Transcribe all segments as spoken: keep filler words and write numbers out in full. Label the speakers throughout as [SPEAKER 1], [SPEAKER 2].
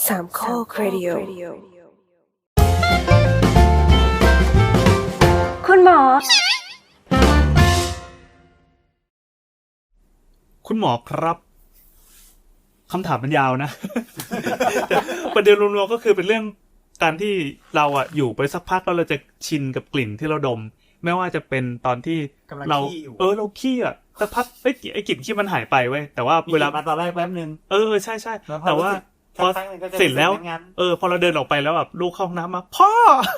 [SPEAKER 1] สามข้อครดิโอคุณหมอ
[SPEAKER 2] คุณหมอครับคำถามมันยาวนะ ประเด็นรวมๆก็คือเป็นเรื่องการที่เราอะอยู่ไปสักพักแล้วเราจะชินกับกลิ่นที่เราดมไม่ว่าจะเป็นตอนที่เราเออเราขี้อะสักพักไอ้ไอ้กลิ่นขี้มันหายไปเว้ยแต่ว่าเวลา
[SPEAKER 3] มาตอนแรกแป๊บนึง
[SPEAKER 2] เออใช่ใช่แต่ว่าพอเสร็จแล้วเออพอเราเดินออกไปแล้วแบบลูกเข้าห้องน้ำมาพ่อ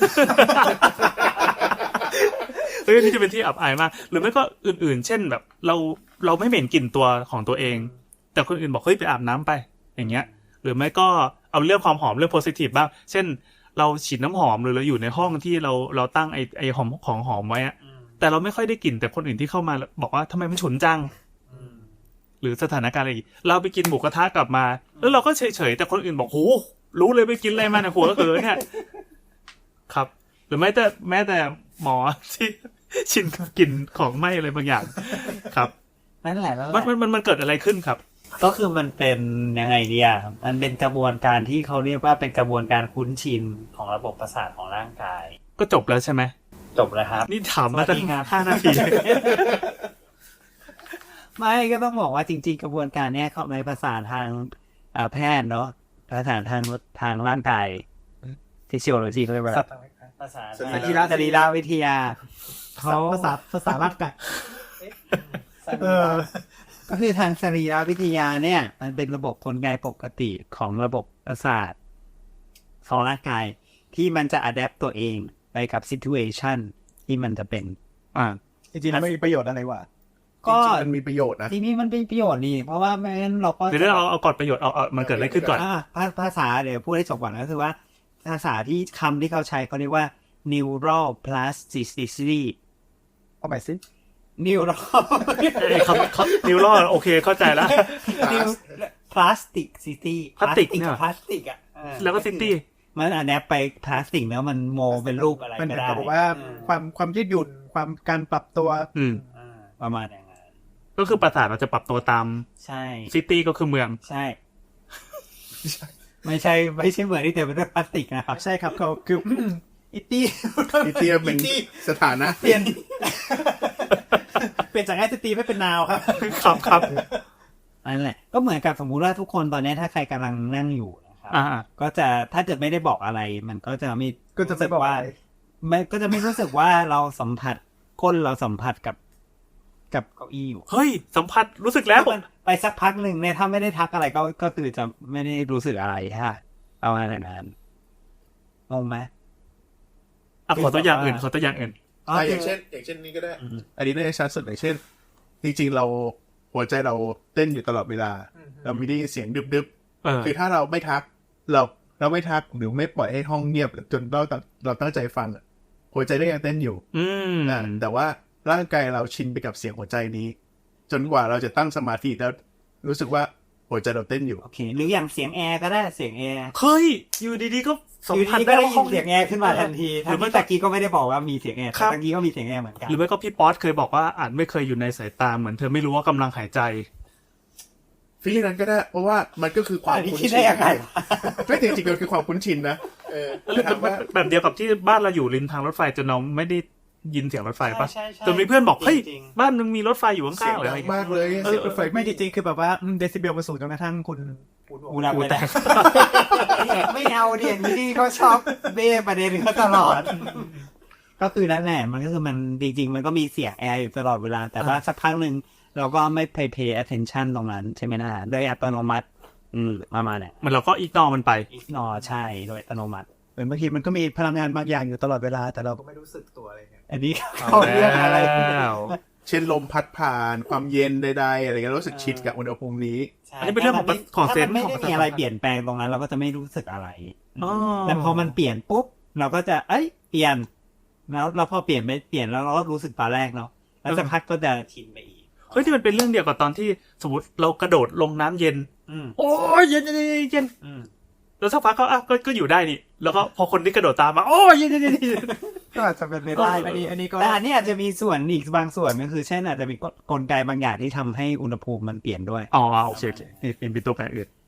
[SPEAKER 2] เฮ้ยนี่จะเป็นที่อับอายมากหรือไม่ก็อื่นๆเช่นแบบเราเราไม่เหม็นกลิ่นตัวของตัวเองแต่คนอื่นบอกเฮ้ยไปอาบน้ำไปอย่างเงี้ยหรือไม่ก็เอาเรื่องความหอมเรื่องโพสิทีฟบ้างเช่นเราฉีดน้ำหอมหรือเราอยู่ในห้องที่เราเราตั้งไอ้ไอ้หอมของหอมไว้อะแต่เราไม่ค่อยได้กลิ่นแต่คนอื่นที่เข้ามาบอกว่าทำไมมันฉุนจังหรือสถานการณ์อะไรเราไปกินหมูกระทะกลับมาแล้วเราก็เฉยๆแต่คนอื่นบอกโหรู้เลยไปกินอะไรมาเนี่ยหัวเออเนี่ยครับหรือแม้แต่แม้แต่หมอที่ชินกับกลิ่นของไหม้อะไรบางอย่างครับ
[SPEAKER 3] นั่นแหละแล้ว
[SPEAKER 2] มันมันมันเกิดอะไรขึ้นครับ
[SPEAKER 3] ก็คือมันเป็นยังไงเนี่ยมันเป็นกระบวนการที่เขาเรียกว่าเป็นกระบวนการคุ้นชินของระบบประสาทของร่างกาย
[SPEAKER 2] ก็จบแล้วใช่ไหม
[SPEAKER 3] จบแล้วครับ
[SPEAKER 2] นี่ถามมาตั้งห้านาที
[SPEAKER 3] ไม่ก็ต้องบอกว่าจริงๆกระบวนการเนี้ยเขาในภาษาทางแพทย์เนาะภาษาทางทางร่างกายฟิสิโอโลจีเขาเรียกว่าภาษาสรีระสรีระวิทยา
[SPEAKER 4] เขาภาษาภาษาร่างกาย
[SPEAKER 3] เออก็คือทางสรีรวิทยาเนี่ยมันเป็นระบบกลไกปกติของระบบประสาทของร่างกายที่มันจะอัดแอปตัวเองไปกับซิทูเอชันที่มันจะเป็นอ่า
[SPEAKER 4] จริงๆมันมีประโยชน์อะไรวะ
[SPEAKER 3] ก็
[SPEAKER 4] มันมีประโยชน์นะ
[SPEAKER 3] ทีนี้มันเป็นประโยชน์นี่เพราะว่าไม่งั้นเราก็
[SPEAKER 2] เดี๋ยวเราเอาก่อนประโยชน์เอาเอามันเกิดอะไรขึ้นก่อน
[SPEAKER 3] อ่าภาษาเดี๋ยวพูดให้จบก่อนก็คือว่าภาษาที่คำที่เขาใช้เขาเรียกว่า neural plasticity
[SPEAKER 4] เอาใหม่สิ
[SPEAKER 3] นิวรอ
[SPEAKER 2] เขาเขานิวรอโอเคเข้าใจแล้ว
[SPEAKER 3] นิวพลาสติกซิตี้
[SPEAKER 2] พลาสติกเนี่ย
[SPEAKER 3] พลาสติกอ่ะ
[SPEAKER 2] แล้วก็ซิตี้
[SPEAKER 3] มันอันนี้ไปพลาสติกแล้วมันโมเป็นรูปอะไรก็ได้
[SPEAKER 4] บอกว่าความความยืดหยุ่นความการปรับตัว
[SPEAKER 2] อืม
[SPEAKER 3] ประมาณอย่างนั้น
[SPEAKER 2] ก็คือประสาทเราจะปรับตัวตาม
[SPEAKER 3] ใช่
[SPEAKER 2] ซิตี้ก็คือเมือง
[SPEAKER 3] ใช่ไม่ใช่ไม่ใช่เหมือนที่แต่เป็นพลาสติกนะครับ
[SPEAKER 4] ใช่ครับเขาคือ
[SPEAKER 3] อิตี้
[SPEAKER 4] อิตี้เป็นสถานะ
[SPEAKER 3] เปลี่ยนเปลี่ยนจากแอสตีไม่เป็นนาวครับ
[SPEAKER 2] ครับครับ
[SPEAKER 3] นั่นแหละก็เหมือนกับสมมุติว่าทุกคนตอนนี้ถ้าใครกำลังนั่งอยู่นะครับก็จะถ้าเกิดไม่ได้บอกอะไรมันก็จะไม่
[SPEAKER 4] ก็จะไม่บอกว่า
[SPEAKER 3] มันก็จะไม่รู้สึกว่าเราสัมผัสก้นเราสัมผัสกับกับเก้าอี้อยู่
[SPEAKER 2] เฮ้ยสัมผัสรู้สึกแล้ว
[SPEAKER 3] ไปสักพักหนึ่งเนี่ยถ้าไม่ได้ทักอะไรก็ก็คือจะไม่ได้รู้สึกอะไรฮะเอาอะไรนั้นงงไหม
[SPEAKER 2] อ่ะขอตัวอย่างอื่นขอตัวอย่างอื่น
[SPEAKER 4] อ่าอย่างเช่นอย่างเช่นนี้ก็ได้อันนี้ได้ชัดสุดอย่างเช่นจริงๆเราหัวใจเราเต้นอยู่ตลอดเวลาเราไม่ได้ยินเสียงดึบๆคือถ้าเราไม่ทักเราเราไม่ทักหรือไม่ปล่อยให้ห้องเงียบจนเราเราตั้งใจฟังหัวใจก็ยังเต้นอยู่
[SPEAKER 2] อืม
[SPEAKER 4] แต่ว่าร่างกายเราชินไปกับเสียงหัวใจนี้จนกว่าเราจะตั้งสมาธิแล้วรู้สึกว่าหัวใจเราเต้นอยู่
[SPEAKER 3] โอเคหรืออย่างเสียงแอร์ก็ได้เสียงแอร์
[SPEAKER 2] เฮ้ยอยู่ดีๆก็
[SPEAKER 3] สัมผัสได้ว่าเสียงแอร์ขึ้นมาทันทีหรือเมื่อกี้ก็ไม่ได้บอกว่ามีเสียงแอร์แต่เมื่อกี้ก็มีเสียงแอร์เหมือนกัน
[SPEAKER 2] หรือไม่ก็พี่ป๊อตเคยบอกว่าอาจไม่เคยอยู่ในสายตาเหมือนเธอไม่รู้ว่ากำลังหายใจ
[SPEAKER 4] ฟีลลิ่งนั้นก็ได้เพราะว่ามันก็คือความ
[SPEAKER 3] คุ้นชินได้ยังไง
[SPEAKER 4] ไม่จริงๆมันคือความคุ้นชินนะเออ
[SPEAKER 2] แบบเดียวกับที่บ้านเราอยู่ริมทางรถไฟจนเราไม่ได้ยินเสียงรถไฟปะจนมีเพื่อนบอกเฮ้ยบ้านมึงมีรถไฟอยู่ข้างๆเลย
[SPEAKER 4] มากเลย
[SPEAKER 2] เสียงรถไฟ
[SPEAKER 4] ไม่จริงๆคือแบบว่าเดซิเบลมันสูงจนกระทั่งคุณ
[SPEAKER 3] อูนาแตกไม่เอาเดี๋ยวนี้เขาชอบเบ้ประเด็นเขาตลอดก็คือนั่นแหละมันก็คือมันจริงๆมันก็มีเสียงแอร์อยู่ตลอดเวลาแต่ว่าสักพักนึงเราก็ไม่ pay pay attention ตรงนั้นใช่ไหมนะโดยอัตโนมัติอืมประมาณนี้
[SPEAKER 2] มันเราก็อีกนอมันไป
[SPEAKER 3] อีกนอใช่โดยอัตโนมัติ
[SPEAKER 4] เหมือนบางทีมันก็มีพลังงานบางอย่างอยู่ตลอดเวลาแต่เราก็ไม่รู้สึกตัวอะไรเงี้ย
[SPEAKER 3] อันนี้เขาเรียกอะไร
[SPEAKER 4] เช่นลมพัดผ่านความเย็นใดๆอะไรเงี้ยรู้สึกชิดกับอุณหภูมินี้
[SPEAKER 2] อันนี้เป็นเรื่องของของเซนส์
[SPEAKER 3] ไม่ได้มีอะไรเปลี่ยนแปลงตรงนั้นเราก็จะไม่รู้สึกอะไรแต่พอมันเปลี่ยนปุ๊บเราก็จะเอ้ยเปลี่ยนแล้วเราพอเปลี่ยนไม่เปลี่ยนแล้วเราก็รู้สึกตอนแรกเนาะแล้วสักพักก็จะชินไปอีก
[SPEAKER 2] เฮ้ยที่มันเป็นเรื่องเดียวกับตอนที่สมมติเรากระโดดลงน้ำเย็นโอ้ยเย็นเย็นเย็นแล้วสักพักก็อ่ะก็ก็อยู่ได้นี่แล้วก็พอคนที่กระโดดตามมาโอ้ยเย็นเย็น
[SPEAKER 4] ก็อาจจะเป็นไปได้อันนี้อันนี้ก็
[SPEAKER 3] แต่อันนี้อาจจะมีส่วนอีกบางส่วนก็คือเช่นอาจจะมีกลไกบางอย่างที่ทำให้อุณหภูมิมันเปลี่ยนด้วย
[SPEAKER 2] อ๋อโอเคโอเคเป็นเป็นตัวแปรอื่น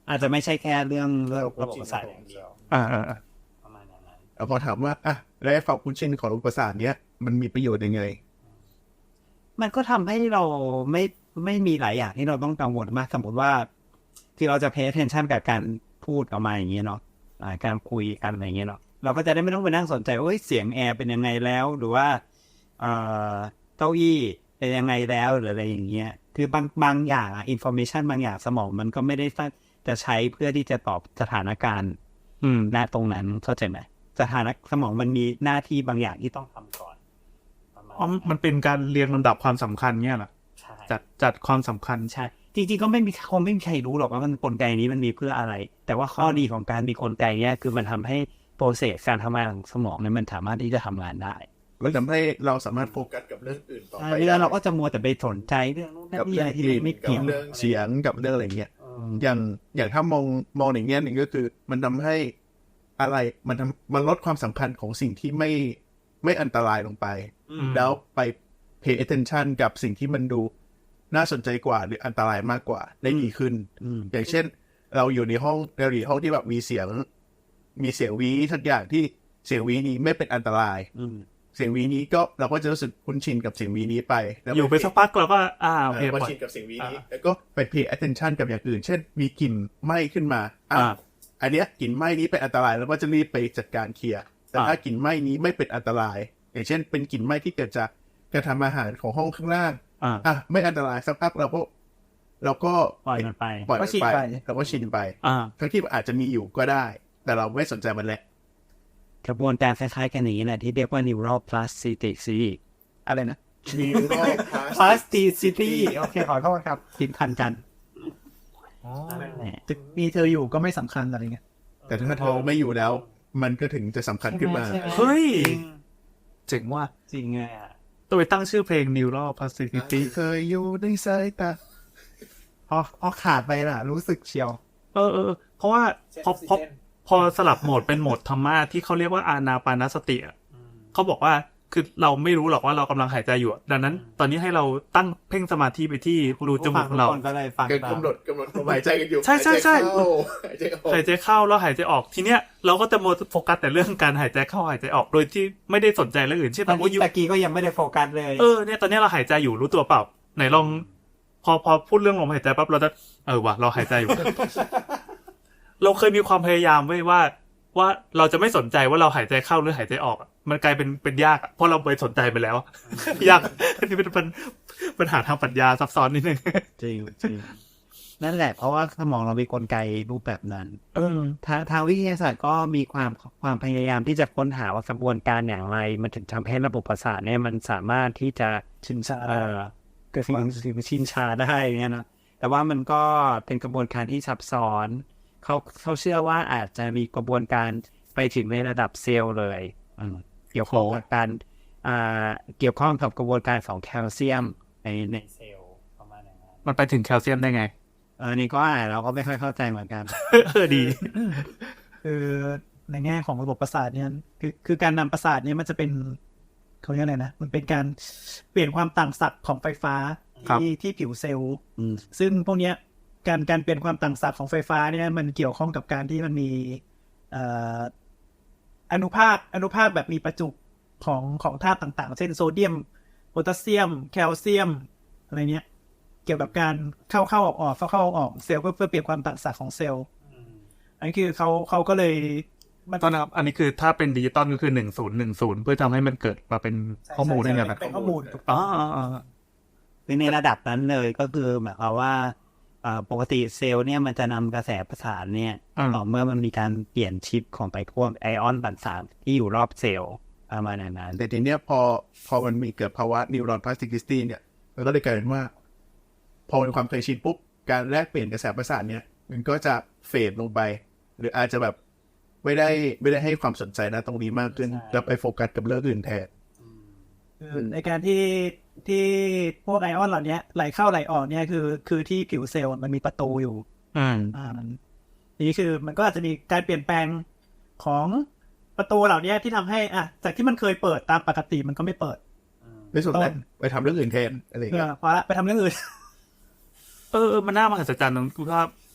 [SPEAKER 3] อาจจะไม่ใช่แค่เรื่องระบบประสาทอย่างเดียว
[SPEAKER 2] อ่าอ่าอ่า
[SPEAKER 3] ประมาณนั้น
[SPEAKER 4] แล้วพอถามว่าอ่ะแล้วความคุ้นชินของระบบประสาทเนี้ยมันมีประโยชน์ยังไง
[SPEAKER 3] มันก็ทำให้เราไม่ไม่มีหลายอย่างที่เราต้องกังวลมากสมมติว่าที่เราจะ pay attention กับการพูดออกมาอย่างเงี้ยเนาะการคุยกันอะไรเงี้ยเนาะเราก็จะได้ไม่ต้องไปนั่งสนใจว่าเสียงแอร์เป็นยังไงแล้วหรือว่าเอ่อเก้าอี้เป็นยังไงแล้วหรืออะไรอย่างเงี้ยคือบางบางอย่างอะ information บางอย่างสมองมันก็ไม่ได้จะใช้เพื่อที่จะตอบสถานการณ์อืมณตรงนั้นเข้าใจไหมสถานะสมองมันมีหน้าที่บางอย่างที่ต้องทำก่อน
[SPEAKER 2] อ๋อมันเป็นการเรียงลำดับความสำคัญเนี่ยเหรอจัดจัดความสำคัญ
[SPEAKER 3] ใช่จริงๆก็ไม่มีคงไม่มีใครรู้หรอกว่ามันกลไกนี้มันมีเพื่ออะไรแต่ว่าข้อดีของการมีกลไกเนี้ยคือมันทำให้โปรเซสการทำงานของสมองเนี่ยมันสามารถที่จะทำงานได้
[SPEAKER 4] มันทำให้เราสามารถโฟกัสกับเรื่องอื่นต่อไป
[SPEAKER 3] แล้วเราก็จะมัวแต่ไปสนใจเรื่อง
[SPEAKER 4] กับเรื่องที่ไม่เกี่ยวเรื่องเสียงกับเรื่องอะไรเงี้ยอย่างอย่างถ้ามองมองอย่างเงี้ยหนึ่งก็คือมันทำให้อะไรมันทำมันลดความสำคัญของสิ่งที่ไม่ไม่อันตรายลงไปแล้วไป pay attention กับสิ่งที่มันดูน่าสนใจกว่าหรืออันตรายมากกว่าได้ดีขึ้นอย่างเช่นเราอยู่ในห้องเราอยู่ในห้องที่แบบมีเสียงมีเสียงวีทุกอย่างที่เสียงวีนี้ไม่เป็นอันตรายเสียงวีนี้ก็เราก็จะรู้สึกคุ้นชินกับเสียงวีนี้ไป
[SPEAKER 2] อยู่ไปสักพักเราก็อ่าโอเค
[SPEAKER 4] คุ้นชินกับเสียงวีนี้แล้วก็ไป pay attention กับอย่างอื่นเช่นมีกลิ่นไหม้ขึ้นมาอ่าอันเนี้ยกลิ่นไหม้นี้เป็นอันตรายแล้วก็จะรีบไปจัดการเคลียร์แต่ถ้ากลิ่นไหม้นี้ไม่เป็นอันตรายอย่างเช่นเป็นกลิ่นไหม้ที่เกิดจากการทำอาหารของห้องข้างล่างอ่ะไม่อันตรายสักพักเราก็เราก็
[SPEAKER 3] ปล่อยมันไป
[SPEAKER 4] ปล่อยมันไปเราก็ชินไปทั้งที่อาจจะมีอยู่ก็ได้แต่เราไม่สนใจมันแหละ
[SPEAKER 3] กระบวนการคล้ายๆกันอย่างนี้แหละที่เรียกว่า neural plasticity อะไรนะ
[SPEAKER 4] neural
[SPEAKER 3] plasticity โอเคขอโทษครับผิดพันกัน
[SPEAKER 5] ถึงมีเธออยู่ก็ไม่สำคัญอะไรเงี้ย
[SPEAKER 4] แต่ถ้าเธอไม่อยู่แล้วมันก็ถึงจะสำคัญขึ้นมา
[SPEAKER 2] เฮ้ยเจ๋งว่ะ
[SPEAKER 3] จริงไง
[SPEAKER 2] ต้องไปตั้งชื่อเพลง neural plasticity
[SPEAKER 4] เคยอยู่ในสายตา
[SPEAKER 5] พอพอขาดไปล่ะรู้สึกเชียว
[SPEAKER 2] เออเออเพราะว่าพอพอพอสลับโหมดเป็นโหมดธรรมะที่เขาเรียกว่าอานาปานสติอ่ะเขาบอกว่าคือเราไม่รู้หรอกว่าเรากำลังหายใจอยู่ดังนั้นตอนนี้ให้เราตั้งเพ่งสมาธิไปที่รูจมูกเรา
[SPEAKER 4] กำหนดกำหนดหายใจกันอยู่
[SPEAKER 2] ใช่ใช่ใช่
[SPEAKER 4] หายใจเข้า
[SPEAKER 2] หายใจเข้าแล้วหายใจออกทีเนี้ยเราก็จะโมโฟกัสแต่เรื่องการหายใจเข้าหายใจออกโดยที่ไม่ได้สนใจเรื่องอื่นเช่น
[SPEAKER 3] ตอนนี้ตะกี้ก็ยังไม่ได้โฟกัสเลย
[SPEAKER 2] เออเนี่ยตอนนี้เราหายใจอยู่รู้ตัวเปล่าไหนลองพอพอพูดเรื่องลมหายใจปั๊บเราจะเออว่ะเราหายใจอยู่ เราเคยมีความพยายามไว้ว่าว่าเราจะไม่สนใจว่าเราหายใจเข้าหรือหายใจออกมันกลายเป็นเป็นยากเพราะเราไปสนใจไปแล้วยากอันนี้เป็นปัญหาทางปรัชญาซับซ้อนนิดนึง
[SPEAKER 3] จริงจริงนั่นแหละเพราะว่าสมองเรามีกลไกรูปแบบนั้นเออทางทางวิทยาศาสตร์ก็มีความความพยายามที่จะค้นหาว่ากระบวนการอย่างไรมันถึงทำให้ระบบประสาทเนี่ยมันสามารถที่จะชินชาเออเกิดความชินชาได้เนี่ยนะแต่ว่ามันก็เป็นกระบวนการที่ซับซ้อนเขาเขาเชื่อว่าอาจจะมีกระบวนการไปถึงในระดับเซลล์เลยเกี่ยวข้องกับการอ่าเกี่ยวข้องกับกระบวนการของแคลเซียมในในเซลล์ประมาณนั้น
[SPEAKER 2] มันไปถึงแคลเซียมได้ไง
[SPEAKER 3] เออนี่ก็อ่านเราก็ไม่ค่อยเข้าใจเหมือนกัน
[SPEAKER 2] เออดี
[SPEAKER 5] คือในแง่ของระบบประสาทเนี่ยคือคือการนำประสาทเนี่ยมันจะเป็นเขาเรียกอะไรนะมันเป็นการเปลี่ยนความต่างศักย์ของไฟฟ้าที่ที่ผิวเซลล์ซึ่งพวกเนี้ยการการเปลี่ยนความต่างศักย์ของไฟฟ้าเนี่ยมันเกี่ยวข้องกับการที่มันมีอนุภาคอนุภาคแบบมีประจุของของธาตุต่างๆเช่นโซเดียมโพแทสเซียมแคลเซียมอะไรเนี้ยเกี่ยวกับการเข้าเข้าออกออกเข้าเข้าออกออกเซลล์เพื่อเพื่อเปลี่ยนความต่างศักย์ของเซลล์อันนี้คือเขาเขาก็เลย
[SPEAKER 2] ตอนนั้นอันนี้คือถ้าเป็นดิจิตอลก็คือหนึ่งศูนย์หนึ่งศูนย์เพื่อทำให้มันเกิดมาเป็นข้อมูลได้ไงแบบ
[SPEAKER 5] เป็นข้อมูล
[SPEAKER 2] อ๋อ
[SPEAKER 3] ในระดับนั้นเลยก็คือหมายความว่าปกติเซลล์เนี่ยมันจะนำกระแสประสาทเนี่ยต่อเมื่อมันมีการเปลี่ยนชิปของไปพวกไอออนต่างๆที่อยู่รอบเซลล์ประมาณนั้น
[SPEAKER 4] แต่ทีเนี้ยพอพอมันมีเกิดภาวะ neural plasticity เนี่ยมันก็เลยกลายเป็นว่าพอเป็นความเคยชินปุ๊บการแลกเปลี่ยนกระแสประสาทเนี่ยมันก็จะเฟดลงไปหรืออาจจะแบบไม่ได้ไม่ได้ให้ความสนใจนะตรงนี้มากขึ้นแล้วไปโฟกัสกับเรื่องอื่นแทน
[SPEAKER 5] ในการที่ที่พวกไอออนเหล่านี้ไหลเข้าไหลออกเนี่ยคือคือที่ผิวเซลล์มันมีประตูอยู่
[SPEAKER 2] อ่า
[SPEAKER 5] อ่านี่คือมันก็อาจจะมีการเปลี่ยนแปลงของประตูเหล่านี้ที่ทำให้อ่ะจากที่มันเคยเปิดตามปกติมันก็ไม่เปิด
[SPEAKER 4] ไม่สุดแล้วไปทำเรื่องอื่นแทนอะไรอย่างเงี้ย
[SPEAKER 5] พอละไปทำเรื่องอื่น
[SPEAKER 2] เออมันน่ามหัศจรรย์ตรงที่ว่า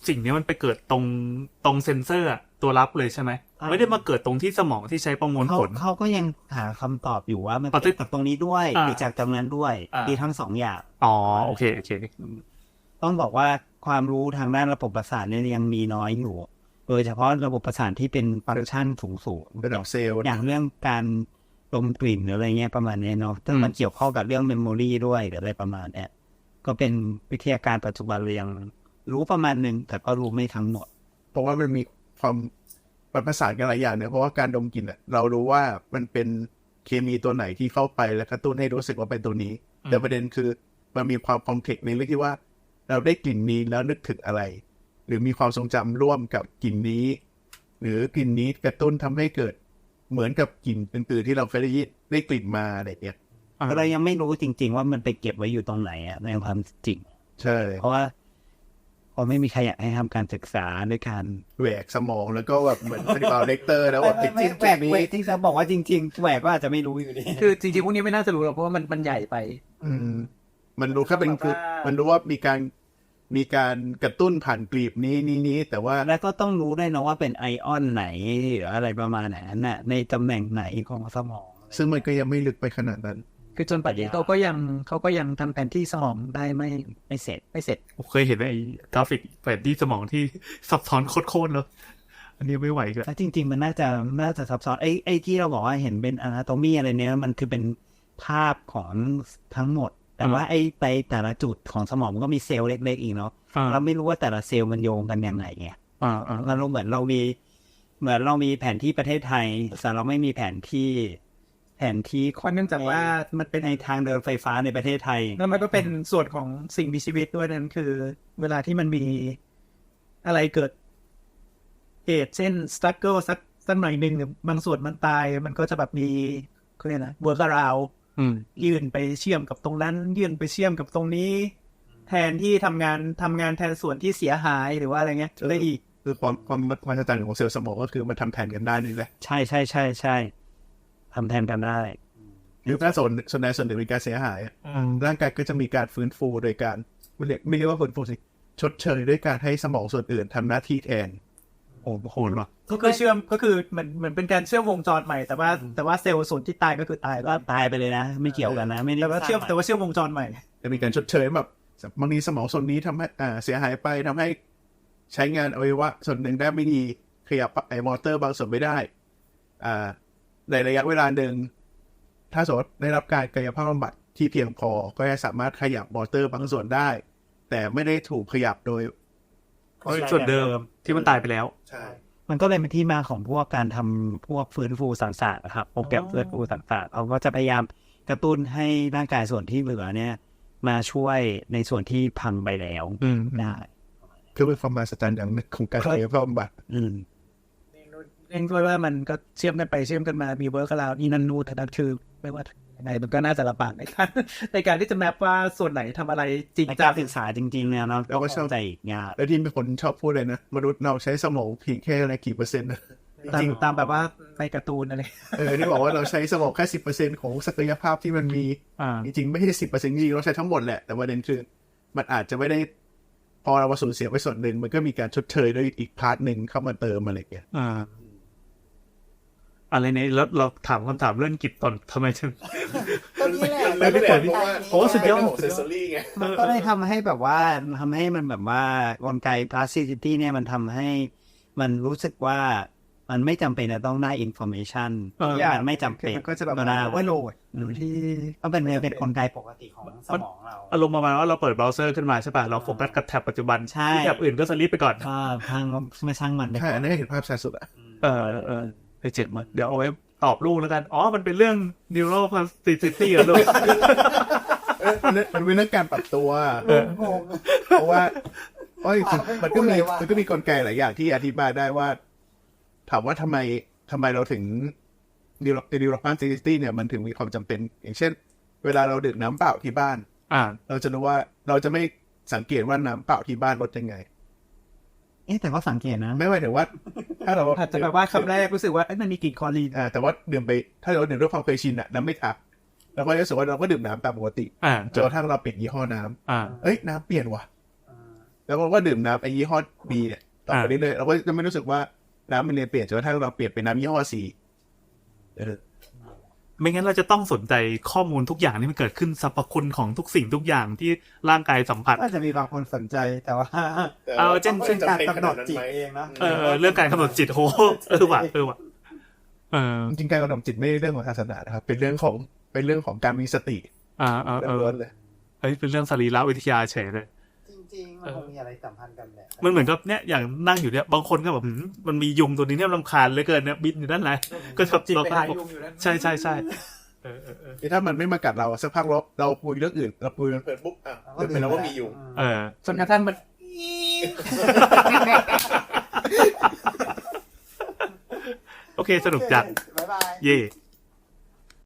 [SPEAKER 2] สิ่งนี้มันไปเกิดตรงตรงเซนเซอร์อะตัวรับเลยใช่ไหมไม่ได้มาเกิดตรงที่สมองที่ใช้ประมวล
[SPEAKER 3] เขา
[SPEAKER 2] ผล
[SPEAKER 3] เขาก็ยังหาคำตอบอยู่ว่ามัน
[SPEAKER 2] ปฏิ
[SPEAKER 3] เกิดจากตรงนี้ด้วย
[SPEAKER 2] อ่า
[SPEAKER 3] หรือจากตรงนั้นด้วย
[SPEAKER 2] อ่ามี
[SPEAKER 3] มีทั้งสองอย่าง
[SPEAKER 2] อ๋อโอเคโอเค
[SPEAKER 3] ต้องบอกว่าความรู้ทางด้านระบบประสาทเนี่ยยังมีน้อยอยู่โดยเฉพาะระบบประสาทที่เป็นฟังก์ชันสูงสูง
[SPEAKER 4] ระดับเซลล์
[SPEAKER 3] อย่างเรื่องการดมกลิ่นหรืออะไรเงี้ยประมาณเนี้ยเนาะซึ่งมันเกี่ยวข้องกับเรื่องเมมโมรีด้วยหรืออะไรประมาณเนี้ยก็เป็นวิทยาการปัจจุบันเรายังรู้ประมาณหนึ่งแต่ก็รู้ไม่ทั้งหมด
[SPEAKER 4] เพราะว่ามันมีความประสานกันหลายอย่างเนี่ยเพราะว่าการดมกลิ่นอะเรารู้ว่ามันเป็นเคมีตัวไหนที่เข้าไปแล้วกระตุ้นให้รู้สึกว่าเป็นตัวนี้ แต่ประเด็นคือมันมีความคอมเพล็กซ์ในเรื่องที่ว่าเราได้กลิ่นนี้แล้วนึกถึงอะไร หรือมีความทรงจำร่วมกับกลิ่นนี้ หรือกลิ่นนี้กระตุ้นทำให้เกิดเหมือนกับกลิ่นอื่นๆที่เราเคยได้ยินได้กลิ่นมาอะไรเงี้ย
[SPEAKER 3] เรายังไม่รู้จริงๆว่ามันไปเก็บไว้อยู่ตรงไหนอะในความจริง
[SPEAKER 4] ใช่
[SPEAKER 3] เพราะว่าพอไม่มีใครอยากให้ทำการศึกษาด้วยการ
[SPEAKER 4] แหวกสมองแล้วก็แบบเหมือนเป็นบาเลกเตอร์แล้วแบบติดจิ้ม
[SPEAKER 3] แหวกแหวกที่จะบอกว่าจริงๆแหวกก็อาจจะไม่รู้อยู่ดี
[SPEAKER 5] คือจริงๆพวกนี้ไม่น่าจะรู้หรอกเพราะว่ามันมันใหญ่ไป
[SPEAKER 4] อืมมันรู้แค่เป็นคือมันรู้ว่ามีการมีการกระตุ้นผ่านกลีบนี้นี้นี้แต่ว่า
[SPEAKER 3] แล้วก็ต้องรู้ได้นะว่าเป็นไอออนไหนหรืออะไรประมาณนั้นน่ะในตำแหน่งไหนของสมอง
[SPEAKER 4] ซึ่งมันก็ยังไม่ลึกไปขนาดนั้น
[SPEAKER 5] คือจนปัจจุบันเขาก็ยังเขาก็ยังทำแผนที่สมองได้ไม่
[SPEAKER 3] ไม่เสร็จ
[SPEAKER 5] ไม่เสร็จ
[SPEAKER 2] ผมเคยเห็นไอ้กราฟิกแผนที่สมองที่ซับซ้อนโคตรๆแล้วอันนี้ไม่ไหวเลย
[SPEAKER 3] แล้วจริงๆมันน่าจะน่าจะซับซ้อนไอ้ไอ้ที่เราบอกว่าเห็นเป็นอนาโตมีอะไรเนี้ยมันคือเป็นภาพของทั้งหมด แต่ว่าไอ้ไปแต่ละจุดของสมองมันก็มีเซลล์เล็กๆอีกเนาะ
[SPEAKER 2] อ่า
[SPEAKER 3] เราไม่รู้ว่าแต่ละเซลล์มันโยงกันยังไงไง
[SPEAKER 2] อ่าอ่า
[SPEAKER 3] เราเหมือนเรามีเหมือนเรามีแผนที่ประเทศไทยแต่เราไม่มีแผนที่แผนที่ข
[SPEAKER 5] เพราะเนื่องจากว่ามันเป็น
[SPEAKER 3] ในทางเดินไฟฟ้าในประเทศไทย
[SPEAKER 5] แล้วมันก็เป็นส่วนของสิ่งมีชีวิตด้วยนั่นคือ เวลาที่มันมีอะไรเกิดเหตุเช่นสตั๊กเกิลสักสักหน่อยหนึ่งหรือบางส่วนมันตายมันก็จะแบบมีเขาเรียกนะเวิร์กราว
[SPEAKER 2] อืม
[SPEAKER 5] ยื่นไปเชื่อมกับตรงนั้น ยื่นไปเชื่อมกับตรงนี้ แทนที่ทำงานทำงานแทนส่วนที่เสียหายหรือว่าอะไรเงี้ยได้อีก
[SPEAKER 4] คือความความความจัดการของเซลล์สมองก็คือมันทำแทนกันได้นี่แหละ
[SPEAKER 3] ใช่ใช่ใช่ใช่ทำแทนกันได้
[SPEAKER 4] หรือถ้าส่วนส่วนใดส่วนหนึ่งมีการเสียหายอะร่างกายก็จะมีการฟื้นฟูโดยการไม่เรียกไม่เรียกว่าฟื้นฟูสิชดเชยด้วยการให้สมองส่วนอื่นทำหน้าที่แทน
[SPEAKER 2] โอ้โหว่ะ
[SPEAKER 5] ก็คือเชื่อมก็คือเหมือนเหมือนเป็นการเชื่อมวงจรใหม่แต่ว่าแต่ว่าเซลล์ส่วนที่ตายก็คือตาย
[SPEAKER 3] ก็ตายไปเลยนะ ไม่เกี่ยวกันนะ ไม่ได้
[SPEAKER 5] แต่ว่าเชื่อมแต่ว่าเชื่อมวงจรใหม่
[SPEAKER 4] จะมีการชดเชยแบบบางทีสมองส่วนนี้ทำให้อ่าเสียหายไปทำให้ใช้งานอวัยวะส่วนหนึ่งได้ไม่ดีขยับไอ้มอเตอร์บางส่วนไม่ได้อ่าในระยะเวลาหนึ่งถ้าสมมติได้รับการกายภาพบำบัดที่เพียงพอก็จะสามารถขยับมอเตอร์บางส่วนได้ แต่ไม่ได้ถูกขยับโดย
[SPEAKER 2] ส่วนเดิมที่มันตายไปแล้ว
[SPEAKER 4] ใช่
[SPEAKER 3] มันก็เลยเป็นที่มาของพวกการทำพวกฟื้นฟูสังสารนะครับโปรแกรมฟื้นฟูสังสารเขาก็จะพยายามกระตุ้นให้ร่างกายส่วนที่เหลือเนี่ย มาช่วยในส่วนที่พังไปแล้ว
[SPEAKER 2] อืม
[SPEAKER 3] ได้
[SPEAKER 4] คือเป็นความมหัศจรรย์อย่างหนึ่งของการกายภาพบำบัด
[SPEAKER 3] อืม
[SPEAKER 5] เองด้วยว่ามันก็เชื่อมกันไปเชื่อมกันมามีเวิร์กราวนี่นั่นนู่นแต่นั้นคือไม่ว่ายังไงมันก็น่าจะลำบากในการ ในการที่จะแมปว่าส่วนไหนทำอะไรจริง
[SPEAKER 3] ใน
[SPEAKER 5] จั
[SPEAKER 3] การ
[SPEAKER 5] ง
[SPEAKER 3] ศึกษาจริงๆเนี่ยเนาะ
[SPEAKER 4] เราก็เข้าใจ
[SPEAKER 3] อีกงาน
[SPEAKER 4] แล้วที่มีคนชอบพูดเลยนะมนุษย์เราใช้สมองเพียงแค่อะไรกี่เปอร์เซ็นต์นะ
[SPEAKER 5] ตาม
[SPEAKER 4] จริง
[SPEAKER 5] ตามแบบว่าในการ์ตูนอะไร
[SPEAKER 4] เออที่บอกว่าเราใช้สมองแค่สิบเปอร์เซ็นต์ของศักยภาพที่มันมี
[SPEAKER 2] อ่า
[SPEAKER 4] จริงๆไม่ใช่สิบเปอร์เซ็นต์จริงๆเราใช้ทั้งหมดแหละแต่ประเด็นคือมันอาจจะไม่ได้พอเราสูญเสียไปส่วนหนึ่งมันก็มีการชดเชยด้วยอีกพาร์ทหนึ่งเข้ามาเติมอะไรอย่างเงี้ย
[SPEAKER 2] อ่า อะไรเนี่ยแล้วเราถามคำถามเรื่องกิจตอนทำไมถึง
[SPEAKER 1] ก็นี่แหละ
[SPEAKER 4] ไม่ได้ผลเพราะว่า
[SPEAKER 2] โอ้สุดยอด
[SPEAKER 4] เซนซอรี่ไง
[SPEAKER 3] มันก็ได้ทำให้แบบว่าทำให้มันแบบว่ากลไก plasticity เนี่ยมันทำให้มันรู้สึกว่ามันไม่จำเป็นจะต้องได้ information
[SPEAKER 2] เออ
[SPEAKER 3] อย่างไม่จำเป็น
[SPEAKER 5] มันก็จะแบบ
[SPEAKER 3] เวลา
[SPEAKER 5] ว่าโหลดหรือที่
[SPEAKER 3] ก็เป็นเป็นกลไกปกติของสมองเรา
[SPEAKER 2] อารมณ์ประมาณว่าเราเปิดเบราว์เซอร์ขึ้นมาใช่ป่ะเราโฟกัสกับแท็บปัจจุบัน
[SPEAKER 3] ใช่
[SPEAKER 2] ที่แท็บอื่นก็สลิปไปก่อน
[SPEAKER 3] ก็พังไม่ช่างมันไป
[SPEAKER 4] ใช่อันนี้เห็นภาพชัดสุดอะ
[SPEAKER 2] เออเออไปเจ็ดมาเดี๋ยวเอาไว้ตอบลูกแล้วกัน อ๋อ มันเป็นเรื่อง neuroplasticity เหรอลูก
[SPEAKER 4] เออมันมันเป็นเรื่องการปรับตัว
[SPEAKER 2] เออ
[SPEAKER 4] เพราะว่าเพราะจริงๆมันก็มีมันก็มีกลไกหลายอย่างที่อธิบายได้ว่า ถามว่าทำไมทำไมเราถึง neuroplasticity เนี่ยมันถึงมีความจำเป็น อย่างเช่น เวลาเราดื่มน้ำเปล่าที่บ้าน
[SPEAKER 2] อ่า
[SPEAKER 4] เราจะรู้ว่าเราจะไม่สังเกตว่าน้ำเปล่าที่บ้านรสยังไง
[SPEAKER 3] เอ๊ะแต่ก็สังเกตนะ
[SPEAKER 4] ไม่หมายถึงว่า ถ้าเรา
[SPEAKER 5] อาจจะแบบว่าคำแรกรู้สึกว่าเอ้ยมันมีกลิ่นคลอรีน
[SPEAKER 4] อ่าแต่ว่าดื่มไปถ้าเราดื่มด้วยความเคยชินอะน้ำไม่ทักเราก็รู้สึกว่าเราก็ดื่มน้ำตามปกติ
[SPEAKER 2] อ่า
[SPEAKER 4] จนกระทั่งเราเปลี่ยนยี่ห้อน้ำ
[SPEAKER 2] อ่า
[SPEAKER 4] เอ้ยน้ำเปลี่ยนว่ะแล้วเราก็ดื่มน้ำไอ้ยี่ห้อ B เนี่ยต่อไปเรื่อยๆเราก็จะไม่รู้สึกว่าน้ำมันเนี่ยเปลี่ยนจนกระทั่งเราเปลี่ยนเป็นน้ำยี่ห้อ C เออ
[SPEAKER 2] ไม่งั้นเราจะต้องสนใจข้อมูลทุกอย่างที่มันเกิดขึ้นสรรพคุณของทุกสิ่งทุกอย่างที่ร่างกายสัมผัส
[SPEAKER 3] ก็จะมีบางคนสนใจแต่ว่า
[SPEAKER 2] เอาเช่น
[SPEAKER 3] เช่นการกำหนดจิตเองนะ
[SPEAKER 2] เออเรื่องการกำหนดจิตโหเออว่ะเออว่ะเออ
[SPEAKER 4] จริงๆการกำหนดจิตไม่ใช่เรื่องของศาสนานะครับเป็นเรื่องของเป็นเรื่องของการมีสติ
[SPEAKER 2] อ่าเออเออ
[SPEAKER 4] ล้วนๆเลย
[SPEAKER 2] เฮ้ยเป็นเรื่องสรีรวิทยาเฉยเลย
[SPEAKER 3] จริงๆมันคงมีอะไรสัมพันธ์กันแหละ
[SPEAKER 2] มันเหมือนกับเนี่ยอย่างนั่งอยู่เนี่ยบางคนก็แบบหืมมันมียุงตัวนี้เนี่ยรำคาญเหลือเกินเนี่ยบินอยู่ด้านไหนก็ชอบ
[SPEAKER 5] จิต
[SPEAKER 2] เรา
[SPEAKER 5] ไป
[SPEAKER 2] ก็
[SPEAKER 5] หายุงอยู่นั่น
[SPEAKER 2] ใช่ใช่ใช่เออเออเออ
[SPEAKER 4] ถ้ามันไม่มากัดเราสักพักเราเราคุยเรื่องอื่นเราคุยเปิดปุ๊บอ่ะเดี๋ยวเป็นเราก็มีอยู่
[SPEAKER 2] เออ
[SPEAKER 5] จนกระทั่งมัน
[SPEAKER 2] โอเคสนุกจัด
[SPEAKER 3] บ๊ายบาย
[SPEAKER 2] เย่